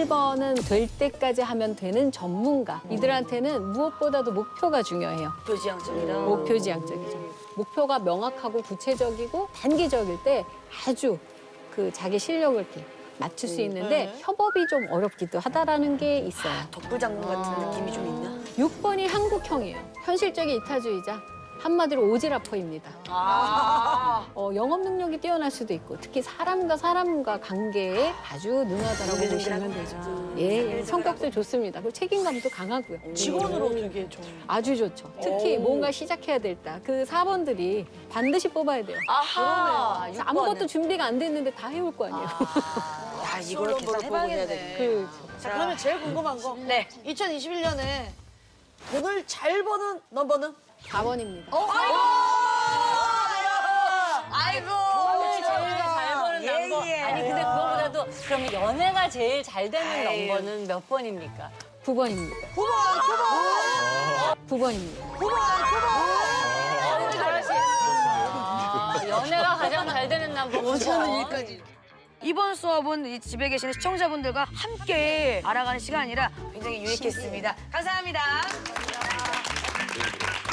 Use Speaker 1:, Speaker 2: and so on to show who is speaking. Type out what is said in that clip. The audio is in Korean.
Speaker 1: 1번은 될 때까지 하면 되는 전문가. 이들한테는 무엇보다도 목표가 중요해요.
Speaker 2: 목표지향적이다.
Speaker 1: 목표지향적이죠. 목표가 명확하고 구체적이고 단기적일 때 아주 그 자기 실력을 이렇게 맞출 수 있는데 협업이 좀 어렵기도 하다라는 게 있어요.
Speaker 2: 덕불장군 같은 느낌이 좀 있나?
Speaker 1: 6번이 한국형이에요. 현실적인 이타주의자. 한마디로 오지라퍼입니다. 영업 능력이 뛰어날 수도 있고 특히 사람과 관계에 아주 능하다라고 보시면 되죠. 예, 성격도 좋습니다. 그리고 책임감도 강하고요.
Speaker 2: 직원으로 되게 좀.
Speaker 1: 아주 좋죠. 특히 뭔가 시작해야 될 때 그 4번들이 반드시 뽑아야 돼요.
Speaker 2: 아하.
Speaker 1: 그래서 아무것도 준비가 안 됐는데 다 해올 거 아니에요.
Speaker 2: 야, 이걸 계산해봐야겠네.
Speaker 3: 자, 그러면 제일 궁금한 거.
Speaker 2: 네.
Speaker 3: 2021년에 돈을 잘 버는 넘버는?
Speaker 1: 4번입니다.
Speaker 2: 아이고.
Speaker 4: 제일 잘 버는 넘버. 아니 근데 그거보다도 그럼 연애가 제일 잘 되는
Speaker 2: 아유.
Speaker 4: 넘버는 몇 번입니까?
Speaker 1: 9번입니다. 9번입니다.
Speaker 4: 연애가 가장 잘 되는 넘버.
Speaker 2: 저는 여기까지. 이번 수업은 이 집에 계시는 시청자분들과 함께 알아가는 시간이라 굉장히 유익했습니다. 감사합니다.